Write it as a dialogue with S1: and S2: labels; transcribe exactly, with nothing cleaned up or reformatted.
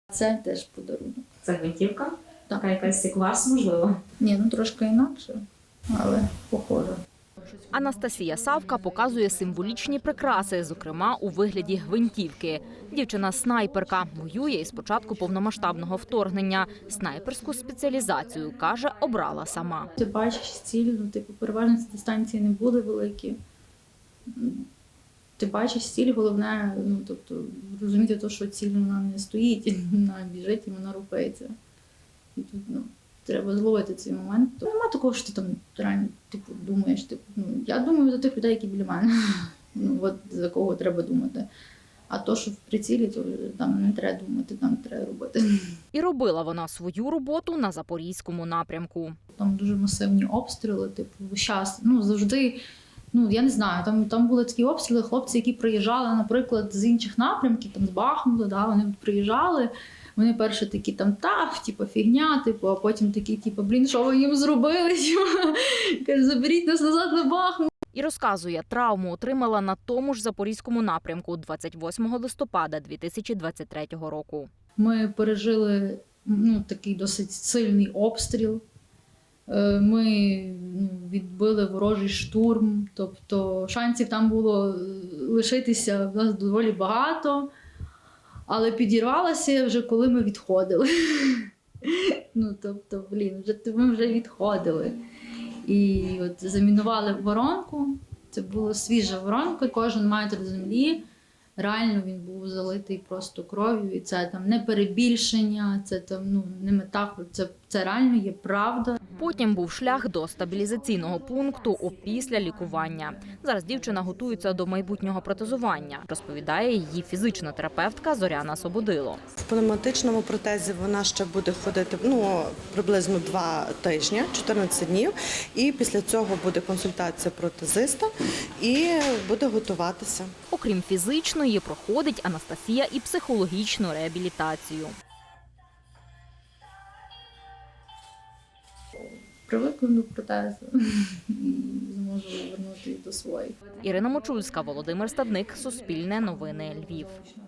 S1: Це теж подарунок.
S2: Це гвинтівка?
S1: Так.
S2: Така якась як вас, можливо?
S1: Ні, ну трошки інакше, але похоже.
S3: Анастасія Савка показує символічні прикраси, зокрема у вигляді гвинтівки. Дівчина – снайперка, воює із початку повномасштабного вторгнення. Снайперську спеціалізацію, каже, обрала сама.
S1: Ти бачиш ціль, ну, типу, переважно ці дистанції не були великі. Ти бачиш ціль, головне, ну, тобто, розуміти те, що ціль вона не стоїть, вона біжить і вона рухається. І тут, ну, треба зловити цей момент. То нема такого, що ти там реально, типу, думаєш, типу, ну, я думаю за тих людей, які біля мене. Ну, от за кого треба думати. А то, що в прицілі, то там не треба думати, там треба робити.
S3: І робила вона свою роботу на Запорізькому напрямку.
S1: Там дуже масивні обстріли, типу, весь час, ну, завжди, ну, я не знаю, там, там були такі обстріли, хлопці, які приїжджали, наприклад, з інших напрямків, там, з Бахмута, да, вони тут приїжджали, вони перші такі там, та, типу, фігня, типу, а потім такі, типу, блін, що ви їм зробили? Каже, заберіть нас назад на Бахмут.
S3: І розказує, травму отримала на тому ж Запорізькому напрямку двадцять восьмого листопада дві тисячі двадцять третього року.
S1: Ми пережили, ну, такий досить сильний обстріл. Е, Ми, ну, відбили ворожий штурм, тобто шансів там було лишитися в нас доволі багато, але підірвалася вже коли ми відходили. Ну, тобто, блін, вже, ми вже відходили. І от замінували воронку, це була свіжа воронка, кожен метр землі, реально він був залитий просто кров'ю, і це там не перебільшення, це там, ну, не метафора, це, це реально є правда.
S3: Потім був шлях до стабілізаційного пункту опісля лікування. Зараз дівчина готується до майбутнього протезування, розповідає її фізична терапевтка Зоряна Сободило.
S4: В пневматичному протезі вона ще буде ходити, ну, приблизно два тижні, чотирнадцять днів. І після цього буде консультація протезиста і буде готуватися.
S3: Окрім фізичної, проходить Анастасія і психологічну реабілітацію.
S1: Привикну до протезу і зможу вернути до своїх.
S3: Ірина Мочульська, Володимир Стадник, Суспільне новини, Львів.